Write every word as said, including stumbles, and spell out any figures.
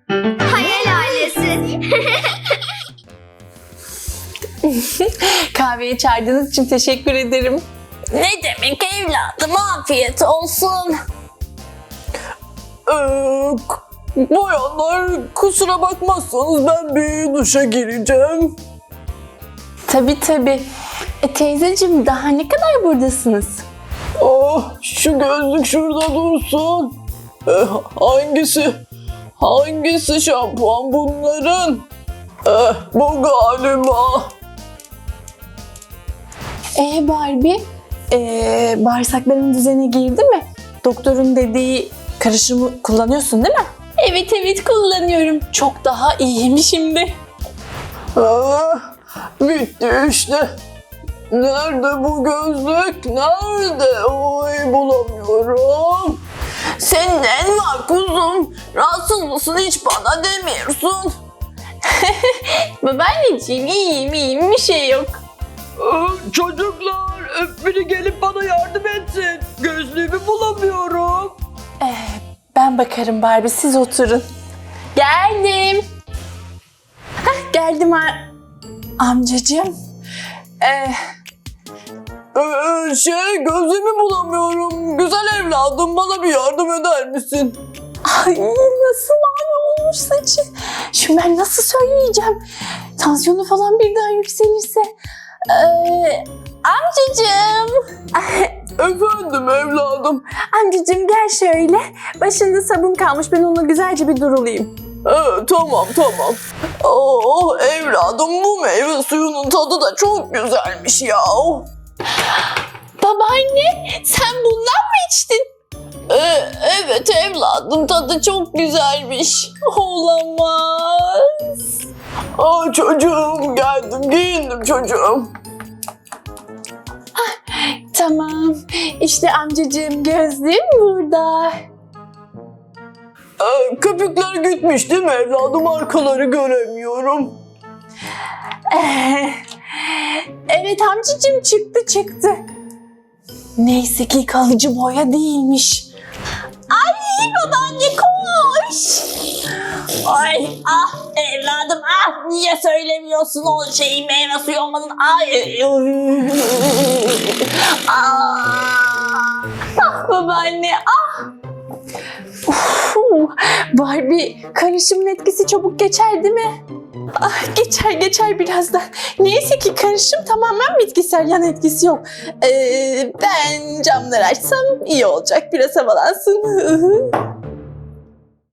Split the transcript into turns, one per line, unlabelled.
Hayal ailesi.
Kahveye çağırdığınız için teşekkür ederim.
Ne demek evladım, afiyet olsun.
Ee, bayanlar kusura bakmazsanız ben bir duşa gireceğim.
Tabii tabii. E, teyzeciğim daha ne kadar buradasınız?
Ah, şu gözlük şurada dursun. Ee, hangisi? Hangisi şampuan bunların? Eh, bu galiba.
Ee Barbie, ee, bağırsakların düzene girdi mi? Doktorun dediği karışımı kullanıyorsun değil mi? Evet evet kullanıyorum. Çok daha iyiyim şimdi.
Ah, bitti işte. Nerede bu gözlük? Nerede? Oy bulamıyorum.
Senin ne var kuzum? Rahatsız mısın, hiç bana demiyorsun.
Babaanneciğim iyiyim iyiyim bir şey yok.
Ee, Çocuklar biri gelip bana yardım etsin. Gözlüğümü bulamıyorum.
Ee, ben bakarım Barbie siz oturun. Geldim. Hah, geldim ha. Amcacığım. Ee,
Ee, şey gözlüğümü bulamıyorum. Güzel evladım bana bir yardım eder misin?
Ay nasıl mavi olmuş saçı. Şimdi ben nasıl söyleyeceğim? Tansiyonu falan birden yükselirse. Ee, amcacığım.
Efendim evladım.
Amcacığım gel şöyle. Başında sabun kalmış ben onu güzelce bir durulayım.
Ee, tamam tamam. Oh evladım bu meyve suyunun tadı da çok güzelmiş ya.
Babaanne sen bundan mı içtin?
Ee, evet evladım, tadı çok güzelmiş.
Olamaz.
Aa, çocuğum geldim giyindim çocuğum.
Tamam. İşte amcacığım gözlüğüm burada.
Ee, köpükler gitmiş değil mi evladım, arkaları göremiyorum.
Ee, evet amcacığım çıktı çıktı. Neyse ki kalıcı boya değilmiş.
Ay babaanne koş. Ay ah evladım ah, niye söylemiyorsun o şeyi, meyve suyu olmanın. Ay. Ah.
Ah babaanne ah. Uf, Barbie karışımın etkisi çabuk geçer değil mi? Ah, geçer geçer birazdan. Neyse ki karışım tamamen bitkisel, yan etkisi yok. Ee, ben camları açsam iyi olacak, biraz havalansın.